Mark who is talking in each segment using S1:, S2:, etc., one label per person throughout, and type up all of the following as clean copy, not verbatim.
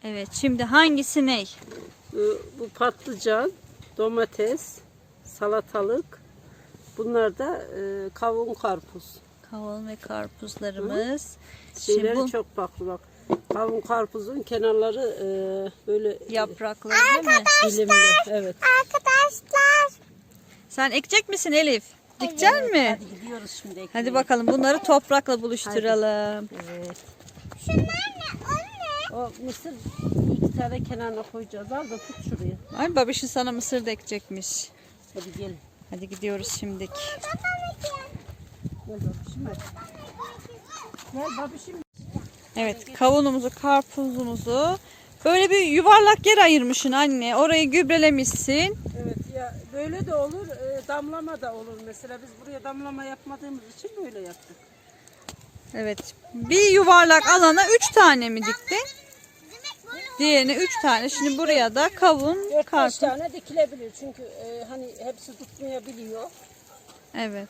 S1: Evet, şimdi hangisi ne?
S2: Bu patlıcan, domates, salatalık. Bunlar da kavun, karpuz.
S1: Kavun ve karpuzlarımız.
S2: Şeyleri
S1: Şimdi bu
S2: çok farklı bak. Kavun karpuzun kenarları böyle
S1: yaprakları değil mi?
S2: dilimli. Evet.
S3: Arkadaşlar.
S1: Sen ekecek misin Elif? Dikecek mi?
S2: Hadi gidiyoruz şimdi.
S1: Hadi bakalım bunları toprakla buluşturalım.
S2: Evet.
S3: Şunlar ne? O ne?
S2: O mısır bir iki tane kenarına koyacağız. Al da tut şuraya.
S1: Ay babişin sana mısır da ekecekmiş.
S2: Hadi gelin.
S1: Hadi gidiyoruz şimdik.
S2: Gel babişim hadi. Gel babişim.
S1: Evet, kavunumuzu, karpuzumuzu böyle bir yuvarlak yer ayırmışsın anne. Orayı gübrelemişsin.
S2: Evet ya böyle de olur, damlama da olur. Mesela biz buraya damlama yapmadığımız için böyle yaptık.
S1: Evet. Bir yuvarlak alana 3 tane mi diktin? Diğerine 3 tane. Şimdi buraya da kavun,
S2: 4-5
S1: karpuz.
S2: tane dikilebilir çünkü hani hepsi tutmayabiliyor.
S1: Evet.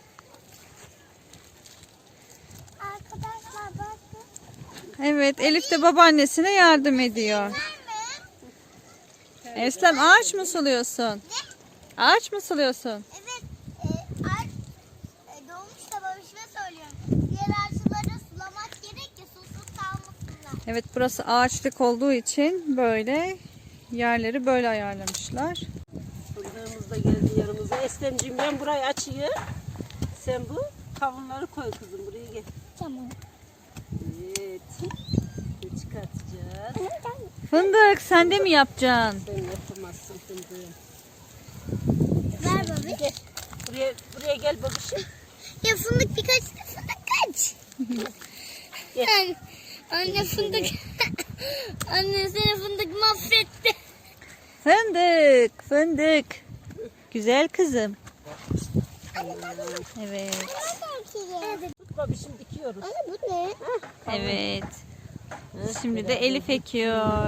S3: Arkadaşlar bakın.
S1: Evet, Elif de babaannesine yardım ediyor. Eslem ağaç mı suluyorsun? Ağaç mı suluyorsun?
S3: Evet. Ağaç doğmuş da babişime söylüyorum. Diğer ağaçları sulamak gerek ki susuz kalmasınlar.
S1: Evet, burası ağaçlık olduğu için böyle yerleri böyle ayarlamışlar.
S2: Fındığımız da geldi yanımıza. Eslemciğim ben burayı açayım. Sen bu kavunları koy kızım buraya gel.
S3: Tamam.
S2: Evet. Çıkartacağız.
S1: Fındık sen de mi yapacaksın?
S2: Sen yapamazsın fındığı.
S3: Ver babi.
S2: Gel. Buraya gel babişim.
S3: Ya fındık birkaç da fındık kaç.
S2: Gel.
S3: Anne fındık. Anne seni fındık mahvetti.
S1: Fındık, fındık. Güzel kızım. Evet,
S2: Tut babişim dikiyoruz.
S3: Anne bu ne?
S1: evet. Şimdi de Elif ekiyor.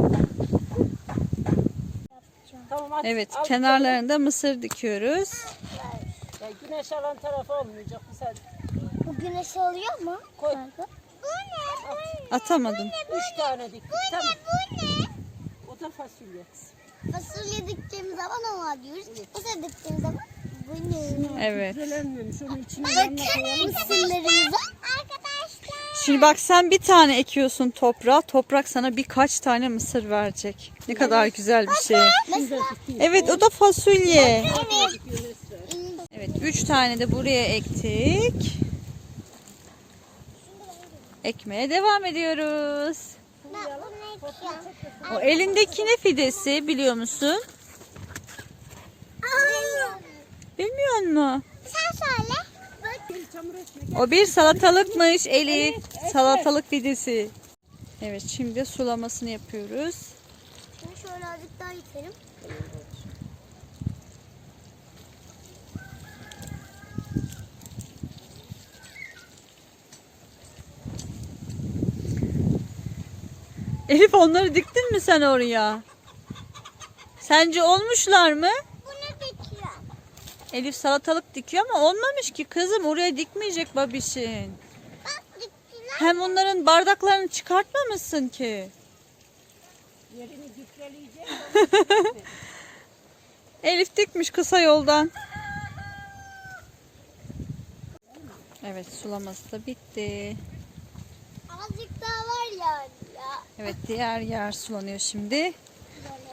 S2: Tamam at.
S1: Evet,
S2: al
S1: kenarlarında mısır dikiyoruz.
S2: bakalım. Ya güneş alan tarafı olmayacak bu sefer.
S3: Bu güneş alıyor mu?
S2: Koy.
S3: Bu ne?
S1: Atamadım.
S2: 3 tane diktik. Tamam.
S3: Bu ne?
S2: O da fasulye.
S3: Fasulye diktiğimiz zaman ona diyoruz. Mısır diktiğimiz zaman bu ne?
S1: Evet.
S2: Güzelenmemiş. Onun içine yanına koyalım.
S3: Mısırlarımıza. Arkadaşlar.
S1: Şimdi bak sen bir tane ekiyorsun toprağa. Toprak sana birkaç tane mısır verecek. Ne kadar güzel bir şey.
S3: Mesela
S1: Evet, o da fasulye.
S3: evet.
S1: Evet, 3 tane de buraya ektik. Ekmeye devam ediyoruz.
S3: Ben bunu ekiyorum.
S1: O elindeki ne fidesi biliyor musun? Bilmiyor musun?
S3: Sen söyle. Bak.
S1: O bir salatalıkmış Elif. Salatalık fidesi. Evet, şimdi sulamasını yapıyoruz.
S3: Şimdi şöyle azıcık daha itelim.
S1: Elif onları diktin mi sen oraya? Sence olmuşlar mı?
S3: Bunu dikiyorum.
S1: Elif salatalık dikiyor ama olmamış ki kızım. Oraya dikmeyecek babişin.
S3: Bak diktiler.
S1: Hem onların bardaklarını çıkartmamışsın ki.
S2: Yerini gübreleyeceğim.
S1: Elif dikmiş kısa yoldan. Evet, sulaması da bitti.
S3: Azıcık daha var yani ya.
S1: Evet, diğer yer sulanıyor şimdi.
S3: Böyle.